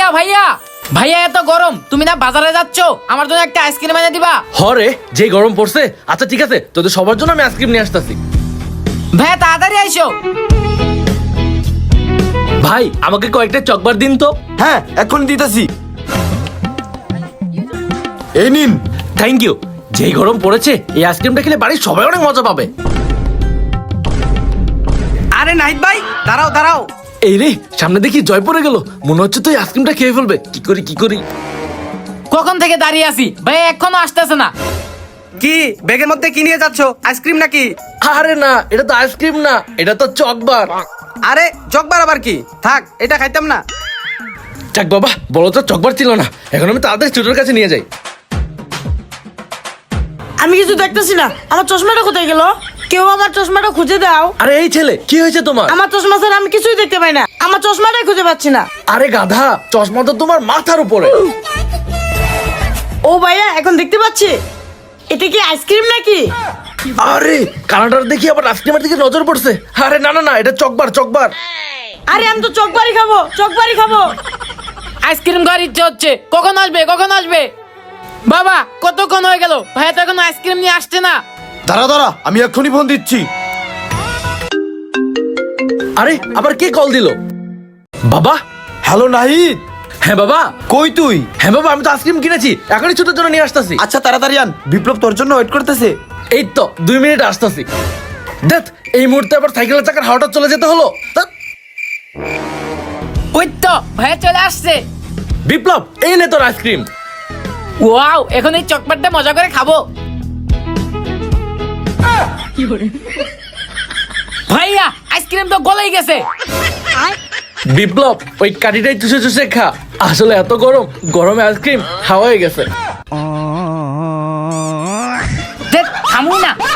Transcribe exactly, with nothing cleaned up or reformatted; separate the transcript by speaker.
Speaker 1: ভাইয়া ভাইয়া এত গরম, তুমি না বাজারে যাচ্ছ, আমার জন্য একটা আইসক্রিম এনে দিবা?
Speaker 2: হরে যে গরম পড়ছে। আচ্ছা ঠিক আছে, তোদের সবার জন্য আমি আইসক্রিম নিয়ে আসতেছি।
Speaker 1: ভাইয়া তাড়াতাড়ি আইসো।
Speaker 2: ভাই আমাকে কয়েকটা চকবার দিন তো।
Speaker 3: হ্যাঁ এখন দিতেছি, এই নিন।
Speaker 2: Thank you. যেই গরম পড়েছে, এই আইসক্রিমটা খেলে বাড়ির সবাই অনেক মজা পাবে।
Speaker 4: আরে নাহিদ ভাই, দাঁড়াও দাঁড়াও।
Speaker 2: এই রে, সামনে দেখি জয় পড়ে গেল, মনে হচ্ছে তো এই আইসক্রিমটা খেয়ে ফেলবে। কি করি কি করি?
Speaker 1: কখন থেকে দাঁড়িয়ে আছি, ভাইয়া এখনো আসতেছে না।
Speaker 4: কি ব্যাগের মধ্যে কি নিয়ে যাচ্ছ? আইসক্রিম নাকি?
Speaker 2: আরে না, এটা তো আইসক্রিম না, এটা তো চকবার।
Speaker 4: আরে জগবার আবার কি? থাক, এটা খাইতাম না।
Speaker 2: যাক বাবা, বলো তো চকবার ছিল না। এখন আমি তাড়াতাড়ি ছোটোর কাছে নিয়ে যাই।
Speaker 5: আমি কিছু দেখতেছি না, আমার চশমাটা কোথায় গেল? কেউ আমার চশমাটা খুঁজে দাও।
Speaker 2: আরে এই ছেলে, কি হয়েছে তোমার?
Speaker 5: আমার চশমা স্যার, আমি কিছুই দেখতে পাই না, আমার চশমাটাই খুঁজে পাচ্ছি না।
Speaker 2: আরে গাধা, চশমা তো তোমার মাথার উপরে।
Speaker 5: ও ভাইয়া, এখন দেখতে পাচ্ছি। এটা কি আইসক্রিম নাকি?
Speaker 2: আরে কানাডার দেখি আবার আইসক্রিমের দিকে নজর পড়ছে। আরে না না না, এটা চকবার চকবার।
Speaker 5: আরে আমি তো চকবারি খাবো, চকবারি খাবো।
Speaker 1: আইসক্রিম খাওয়ার ইচ্ছে হচ্ছে, কখন আসবে কখন আসবে? বাবা কতক্ষণ হয়ে গেল, ভাইয়া তো এখন আইসক্রিম নিয়ে আসছে না।
Speaker 3: দাঁড়া দাঁড়া, আমি এক্ষুনি ফোন দিচ্ছি।
Speaker 2: আরে আবার কে কল দিল? বাবা।
Speaker 3: হ্যালো নাহিদ,
Speaker 2: হ্যাঁ বাবা।
Speaker 3: কই তুই?
Speaker 2: হ্যাঁ বাবা, আমি তো আইসক্রিম কিনেছি, এখনই ছোটোর জন্য নিয়ে আসতেছি।
Speaker 3: আচ্ছা তাড়াতাড়ি আন, বিপ্লব তোর জন্য ওয়েট করতেছে।
Speaker 2: এই তো দুই মিনিট আসতেছি। দেখ, এই মুহূর্তে আবার সাইকেলের চাকার হাওয়াটা চলে যেতে হলো। ধ্যাৎ।
Speaker 1: ওই তো ভাইয়া চলে আসছে।
Speaker 2: বিপ্লব, এই নে তোর আইসক্রিম।
Speaker 1: ওয়াও, এখন এই চকলেটটা মজা করে খাবো। ভাইয়া আইসক্রিম তো গলেই গেছে।
Speaker 2: বিপ্লব, ওই কাঠিটাই চুষে চুষে খা। আসলে এত গরম, গরমে আইসক্রিম হাওয়া হয়ে গেছে।
Speaker 1: দেখ থামুই না।